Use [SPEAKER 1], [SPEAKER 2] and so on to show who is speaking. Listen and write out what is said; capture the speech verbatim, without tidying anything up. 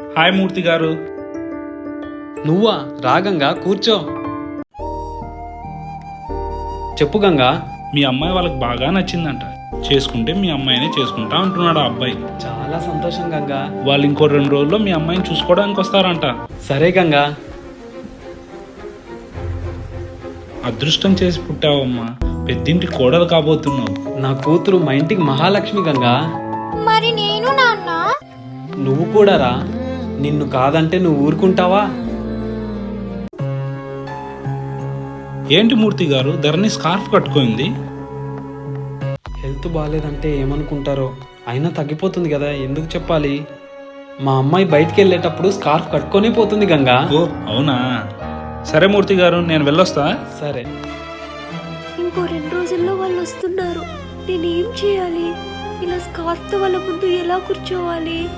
[SPEAKER 1] Hi మూర్తి గారు.
[SPEAKER 2] నువ్వా? రా గంగా, కూర్చో. చెప్పు గంగా.
[SPEAKER 1] మీ అమ్మాయి వాళ్ళకి బాగా నచ్చిందంట. చేసుకుంటే మీ అమ్మాయినే చేసుకుంటా అంటున్నాడు ఆ అబ్బాయి.
[SPEAKER 2] చాలా సంతోషం గంగా.
[SPEAKER 1] వాళ్ళు ఇంకో రెండు రోజుల్లో మీ అమ్మాయిని చూసుకోవడానికి వస్తారంట.
[SPEAKER 2] సరే గంగా.
[SPEAKER 1] అదృష్టం చేసి పుట్టావమ్మా, పెద్దింటి కోడలు కాబోతున్నావు.
[SPEAKER 2] నా కూతురు మా ఇంటికి మహాలక్ష్మి గంగా.
[SPEAKER 3] మరి నేను నాన్న?
[SPEAKER 2] నువ్వు కూడా రా. నిన్ను కాదంటే నువ్వు ఊరుకుంటావా?
[SPEAKER 1] ఏంటి మూర్తి గారు, ధరణి స్కార్ఫ్ కట్టుకుంది?
[SPEAKER 2] హెల్త్ బాగాలేదంటే ఏమనుకుంటారో. అయినా తగ్గిపోతుంది కదా, ఎందుకు చెప్పాలి? మా అమ్మాయి బయటికి వెళ్ళేటప్పుడు స్కార్ఫ్ కట్టుకొనే పోతుంది గంగా.
[SPEAKER 1] ఓ అవునా, సరే మూర్తి గారు, నేను వెళ్ళొస్తా.
[SPEAKER 2] సరే.
[SPEAKER 3] ఇంకో రెండు రోజుల్లో వాళ్ళు వస్తున్నారు. నేనేం చేయాలి? ఇలా స్కార్ఫ్తో వాళ్ళ ముందు ఎలా కూర్చోవాలి?